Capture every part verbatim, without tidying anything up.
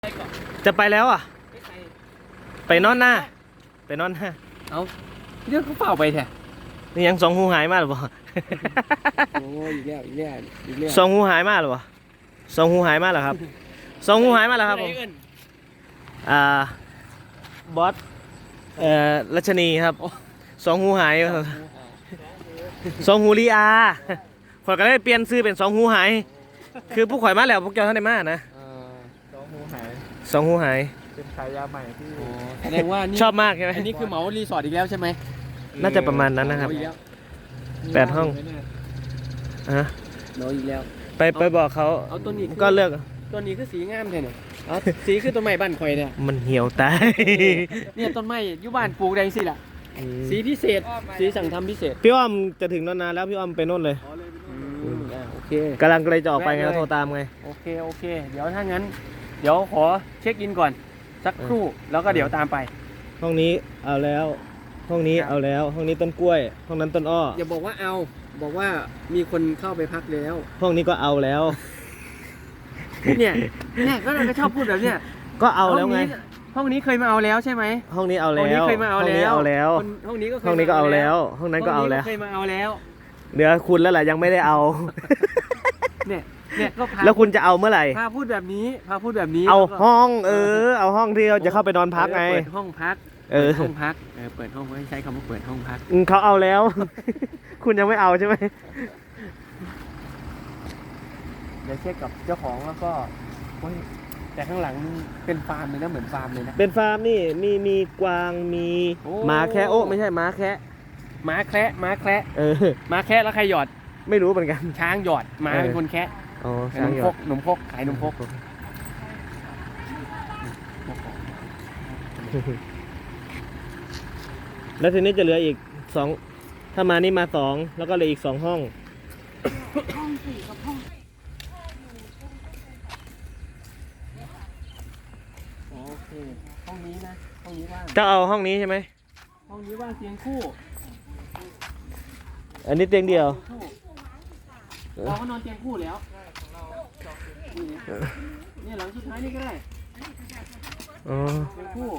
จะไปแล้วอ่ะไปนอนหน้าไปนอนหน้าเอาเรื่องเขาเปล่าไปแท้นี่ยังสองหูหายมาหรือเปล่าโอ้ยอีกแล้วอีกแล้วอีกแล้วสองหูหายมาหรือเปล่าสองหูหายมาหรอครับสองหูหายมาหรอครับผมอ่าบอสเอ่อรัชนีครับสองหูหายสองหูลีอาข่อยก็ได้เปลี่ยนซื้อเป็นสองหูหายคือผู้ข่อยมาแล้วพวกเจ้าท่านได้มานะสองหูหายสองหูหายเป็นฉายาใหม่ที่แสดงว่าชอบมากใช่ไหมอันนี้คือเหมารีสอร์ทอีกแล้วใช่ไหมน่าจะประมาณนั้นนะครับแปดห้องฮะเหมาอีกแล้วไปไปบอกเขาเอาตัวนี้ก็เลือกตัวนี้คือสีงามแท้เนี่ยเอาสีคือต้นไม้บ้านข่อยเนี่ยมันเหี่ยวตายเนี่ยต้นไม้อยู่บ้านปลูกได้สิล่ะสีพิเศษสีสั่งทำพิเศษพี่อ้อมจะถึงนานๆแล้วพี่อ้อมไปโน่นเลยโอเคกำลังเลยจะออกไปไงโทรตามไงโอเคโอเคเดี๋ยวถ้างั้นเดี๋ยวขอเช็คอินก่อนสักครู่แล้วก็เดี๋ยวตามไปห้องนี้เอาแล้วห้องนี้เอาแล้วห้องนี้ต้นกล้วยห้องนั้นต้นอ้ออย่าบอกว่าเอาบอกว่ามีคนเข้าไปพักแล้วห้องนี้ก็เอาแล้วเนี่ยเนี่ยก็เราก็ชอบพูดแบบเนี้ยก็เอาแล้วไงห้องนี้เคยมาเอาแล้วใช่ไหมห้องนี้เอาแล้วห้องนี้เคยมาเอาแล้วห้องนี้ก็ห้องนี้ก็เอาแล้วห้องนั้นก็เอาแล้วเคยมาเอาแล้วเหลือคุณแล้วแหละยังไม่ได้เอาเนี่ยเนี่ยก็พาแล้วคุณจะเอาเมื่อไหร่พาพูดแบบนี้พาพูดแบบนี้เอาห้องเออเอาห้องที่เราจะเข้าไปนอนพักไงเปิดห้องพักเออห้องพักเออเปิดห้องไม่ใช้คำว่าเปิดห้องพักเขาเอาแล้วคุณยังไม่เอาใช่ไหมเดี๋ยวเช็คกับเจ้าของแล้วก็แต่ข้างหลังเป็นฟาร์มเลยนะเหมือนฟาร์มเลยนะเป็นฟาร์มนี่มีมีกวางมีหมาแคะโอ้ไม่ใช่หมาแคะหมาแคะหมาแคะเออหมาแคะแล้วใครหยอดไม่รู้เหมือนกันช้างหยอดหมาเป็นคนแคะอ๋อขนมพกขนมพกขายขนมพกแล้วทีนี้จะเหลืออีกสองถ้ามานี่มาสองแล้วก็เหลืออีกสองห้องห้องสี่กับห้องโอเคห้องนี้นะห้องนี้ว่างจะเอาห้องนี้ใช่ไหมห้องนี้ว่างเตียงคู่อันนี้เตียงเดียวเราก็นอนเตียงคู่แล้วนี่หลังสุดท้ายนี่ก็ได้อ๋อเตียงคู่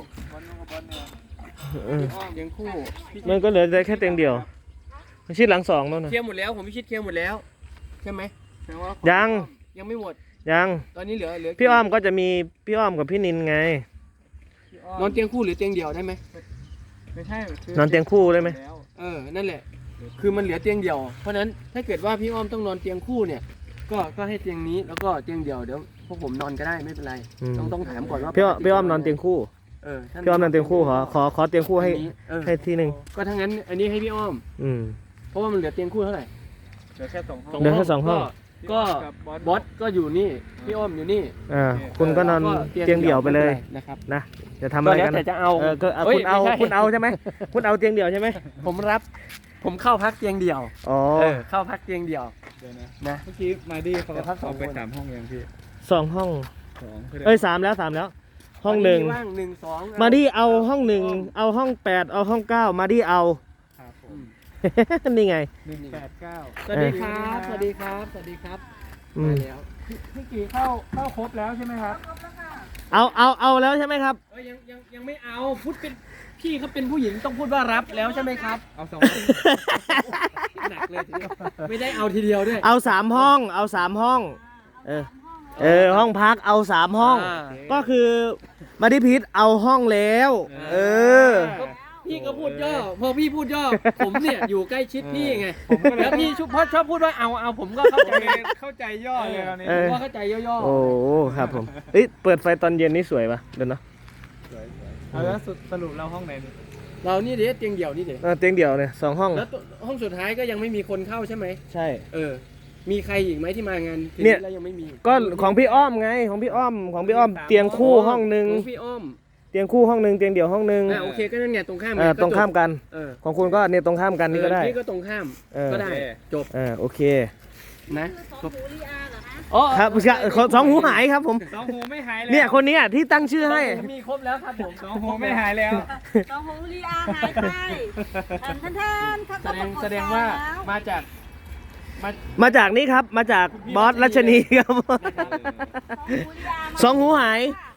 เตียงคู่มันก็เหลือแค่เตียงเดียวมันชิดหลังสองแล้วนะเคลียร์หมดแล้วผมไม่ชิดเคลียร์หมดแล้วใช่ไหมยังยังไม่หมดยังตอนนี้เหลือเหลือพี่อ้อมก็จะมีพี่อ้อมกับพี่นินไงนอนเตียงคู่หรือเตียงเดี่ยวได้ไหมไม่ใช่นอนเตียงคู่ได้ไหมเออนั่นแหละคือมันเหลือเตียงเดี่ยวเพราะนั้นถ้าเกิดว่าพี่อ้อมต้องนอนเตียงคู่เนี่ยก็ก็ให้เตียงนี้แล้วก็เตียงเดี่ยวเดี๋ยวพวกผมนอนก็ได้ไม่เป็นไรต้องต้องถามก่อนว่าพี่อ้อมพี่อ้อมนอนเตียงคู่เออพี่อ้อมนอนเตียงคู่ขอขอขอเตียงคู่ให้ให้ทีหนึ่งก็ทั้งนั้นอันนี้ให้พี่อ้อมอืมเพราะว่ามันเหลือเตียงคู่เท่าไหร่เหลือแค่สองห้องเหลือแค่สองห้องก็บอสก็อยู่นี่พี่อ้อมอยู่นี่อ่าคุณก็นอนเตียงเดี่ยวไปเลยนะครับนะจะทำอะไรกันแต่จะเอาเออก็คุณเอาคุณเอาใช่ไหมคุณเอาเตียงเดี่ยวใช่ไหมผมรับผมเข้าพักเตียงเดี่ยวอ๋อเข้าพักเตียงเดี่ยวเดี๋ยวนะนะเมื่อกี้มาดีเขาพักสองไปสามห้องยังพี่สองห้องสองเอ้ยสามแล้วสามแล้วห้องหนึ่งว่างหนึ่งสองมาดีเอาห้องหนึ่งเอาห้องแปดเอาห้องเก้ามาดีเอานี่ไงหนึ่งแปดเก้าสวัสดีครับสวัสดีครับสวัสดีครับมาแล้วพี่กี่เข้าเข้าครบแล้วใช่ไหมครับเอาเอาเอาแล้วใช่ไหมครับเอ้ยยังยังยังไม่เอาพูดเป็นพี่เขาเป็นผู้หญิงต้องพูดว่ารับแล้วใช่ไหมครับเอาสองหนักเลยทีเดียวไม่ได้เอาทีเดียวด้วยเอาสามห้องเอาสามห้องเออเออห้องพักเอาสามห้องก็คือมาดิพิษเอาห้องแล้วเออพี่ก็พูดย่อพอพี่พูดย่อผมเนี่ยอยู่ใกล้ชิดพี่ไงแล้วพี่ชุบพอชอบพูดว่าเอาเอาผมก็เข้าใจเข้าใจย่อเลยตอนนี้ผมก็เข้าใจย่อโอ้ครับผมเอ้ยเปิดไฟตอนเย็นนี่สวยปะเดี๋ยวนะเอาแล้วสรุปเราห้องไหนนี่เรานี่เดี๋ยวเตียงเดี่ยวนี่เดี๋ยวเตียงเดี่ยวเนี่ยสองห้องแล้วห้องสุดท้ายก็ยังไม่มีคนเข้าใช่ไหมใช่เออมีใครอีกไหมที่มางานเนี่ยแล้วยังไม่มีก็ของพี่อ้อมไงของพี่อ้อมของพี่อ้อมเตียงคู่ห้องหนึ่งของพี่อ้อมเตียงคู่ห้องหนึ่งเตียงเดี่ยวห้องหนึ่งโอเคก็นั่นไงตรงข้ามตรงข้ามกันของคุณก็เนี่ยตรงข้ามกันนี่ก็ได้พี่ก็ตรงข้ามก็ได้จบโอเคนะสองหูลีอาเหรอฮะอ๋อครับสองหูหายครับผมสองหูไม่หายแล้วเนี่ยคนนี้ที่ตั้งชื่อให้มีครบแล้วครับผมสองหูไม่หายแล้วสองหูลีอาหายไปท่านท่านแสดงแสดงว่ามาจากมาจากนี่ครับมาจากบอสรัชนีครับสองหูหาย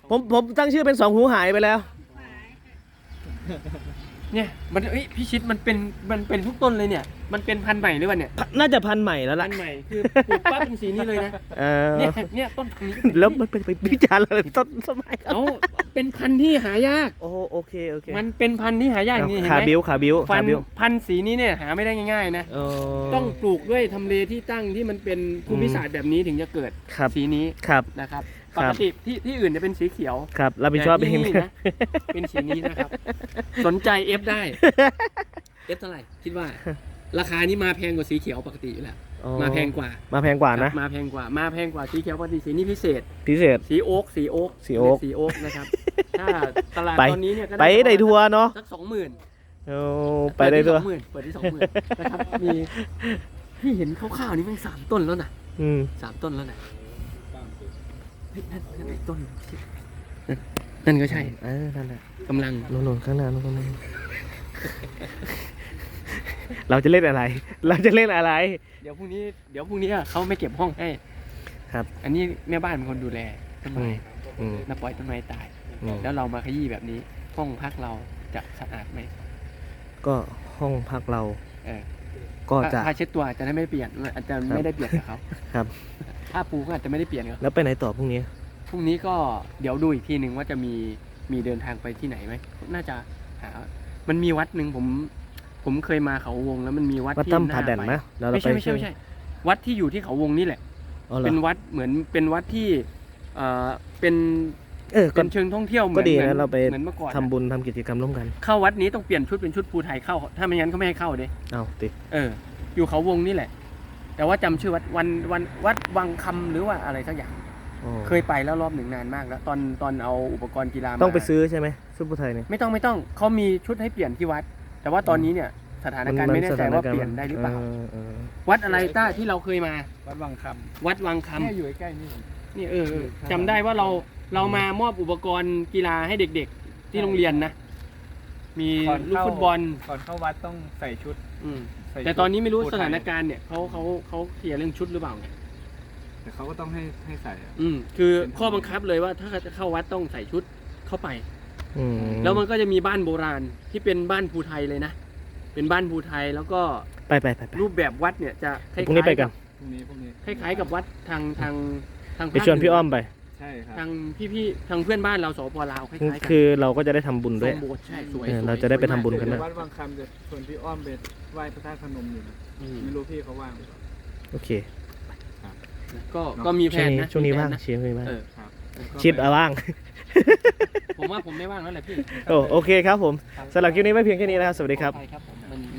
ผมผมตั้งชื่อเป็นสองหูหายไปแล้วเนี่ยมันเอ้ยพี่ชิดมันเป็นมันเป็นทุกต้นเลยเนี่ยมันเป็นพันธุ์ใหม่หรือเปล่าเนี่ยน่าจะพันธุ์ใหม่แล้วพัล่ะนธุ์ใหม่คือปลูกปั๊บเป็นสีนี้เลยนะเออเนี่ยเนี่ยต้นพันธุ์นี้แล้วมันเป็นไปวิจารณ์อะไรต้นสมัยเอ้าเป็นพันธุ์ที่หายากโอ้โอเคโอเคมันเป็นพันธุ์ที่หายากนี่เห็นขาไหมบิ้วขาบิ้วพัขาน บิ้วธุ์พันธุ์สีนี้เนี่ยหาไม่ได้ง่ายๆนะเออต้องปลูกด้วยทำเลที่ตั้งที่มันเป็นภูมิศาสตร์แบบนี้ถึงจะเกิดครับสีนี้ครับนะครับคปรับกติที่ที่อื่นจะเป็นสีเขียวครับรับผิดชอบแต่เอที่งนี่นะ เป็นสีนี้นะครับ สนใจเอฟได้เอฟเท่าไหร่คิดว่า ราคานี้มาแพงกว่าสีเขียวปกติอยู่แล้วอ๋อมาแพงกว่ามาแพงกว่านะครับมาแพงกว่า มาแพงกว่าสีเขียวปกติสีนี้พิเศษพิเศษสีโอ๊กสีโอ๊กสีโอ๊คสีโอ๊กนะครับ ถ้าตลาดไปตอนนี้เนี่ยก็ไปได้ทัวร์เนาะสักสองหมื่นโอ้ไปได้ทัวร์เปิดที่สองหมื่นนะครับ มีที่เห็นคร่าวๆนี่มันสามต้นแล้วนะอืมสามต้นแล้วนะเฮ้ยนั่นนั่นไอ้ต้นนั่นนั่นก็ใช่เออนั่นแหละกำลังโน่นๆข้างหน้าโน่นๆ เราจะเล่นอะไร เราจะเล่นอะไรเดี๋ยวพรุ่งนี้เดี๋ยวพรุ่งนี้เขาไม่เก็บห้องให้ครับอันนี้แม่บ้านเป็นคนดูแลต้นอืไม้มอืมน่าปล่อยต้นไม้ตายอืมแล้วเรามาขยี้แบบนี้ ห้องพักเราจะสะอาดไหมก็ห้องพักเราเออก็จะผ้าเช็ดตัวอาจจะได้ไม่เปลี่ยนอาจจะไม่ได้เปลี่ยนกับเขาครับผ้าปูก็อาจจะไม่ได้เปลี่ยนกับแล้วไปไหนต่อพรุ่งนี้พรุ่งนี้ก็เดี๋ยวดูอีกทีหนึ่งว่าจะมีมีเดินทางไปที่ไหนไหมน่าจะหามันมีวัดหนึ่งผม ผมเคยมาเขาวงแล้วมันมีวัดวัดที่ถ้ำน่าผาแดนไปนะแล้วเราไม่ไปใช่ไม่ใช่ไม่ใช่ วัดที่อยู่ที่เขาวงนี่แหละอ๋อเหรอเป็นวัดเหมือนเป็นวัดที่เอ่อเป็นเออก็เป็นเชิงท่องเที่ยวเหมืก็อนดีเหมือนะนเราไปเหมือนเมื่อก่อนทำบุญทำกิจกรรมร่วมกันเข้าวัดนี้ต้องเปลี่ยนชุดเป็นชุดภูไทยเข้า ถ้าไม่งั้นเขาไม่ให้เข้าเด้เอาติเออ อยู่เขาวงนี่แหละ แต่ว่าจำชื่อวัดวันวันวัดวังคำหรือว่าอะไรสักอย่างอ๋อเคยไปแล้วรอบหนึ่งนานมากแล้ว ตอนตอนเอาอุปกรณ์กีฬามาต้องไปซื้อใช่ไหมซุปเปอร์ไทยเนี่ยไม่ต้องไม่ต้องเขามีชุดให้เปลี่ยนที่วัด แต่ว่าตอนนี้เนี่ยสถานการณ์ไม่แน่ใจว่าเปลี่ยนได้หรือเปล่าเออวัดอะไรต้าที่เราเคยมาวัดวังควัดวังคำำเนี่ยอยู่ใกล้ๆนี่นี่เออเออจำได้ว่าเราเรามามอบอุปกรณ์กีฬาให้เด็กๆ ที่โรงเรียนนะ มีก่อนลูกเข้าฟุตบอลก่อนเข้าวัดต้องใส่ชุดอืมใส่ชุดแต่ตอนนี้ไม่รู้ผู้สไทยถานการณ์เนี่ยเขาเขาเขาเคลียร์เรื่องชุดหรือเปล่าไงแต่เขาก็ต้องให้ให้ใส่อะอืมคือข้อบังคับเลยว่าถ้าจะเข้าวัดต้องใส่ชุดเข้าไปอืมแล้วมันก็จะมีบ้านโบราณที่เป็นบ้านภูไทยเลยนะ เป็นบ้านภูไทยแล้วก็ไปไปไปไปรูปแบบวัดเนี่ยจะคล้ายพรุ่งนี้ไปกันพรุ่งนี้พรุ่งนี้คล้ายๆกับวัดทางทางทางไปชวนพี่อ้อมไปใช่ครับทางพี่ๆทางเพื่อนบ้านเราสปลาวคล้ายๆกันคือเราก็จะได้ทำบุญด้วยทรงโบสถ์ใช่สวยเออสวยเราจะได้ไปสวยมากทำบุญกันเดี๋นะยววัดวังคำจะชวนพี่อ้อมไปไหว้พระธาตุพนมอยู่นะอืมไม่รู้พี่เขาว่างหรือเปล่าโอเคก็ก็มีแผช่วงนนี้นะช่วงนี้มีแผว่างนะเชียร์ช่วงนี้ว่างเออครับชิดเอาว่างผมว่าผมไม่ว่างแล้วแหละพี่โอ้โอเคครับผมสำหรับคลิปนี้ไม่เพียงแค่นี้นะครับ สวัสดีครับขออภัยครับผมมัน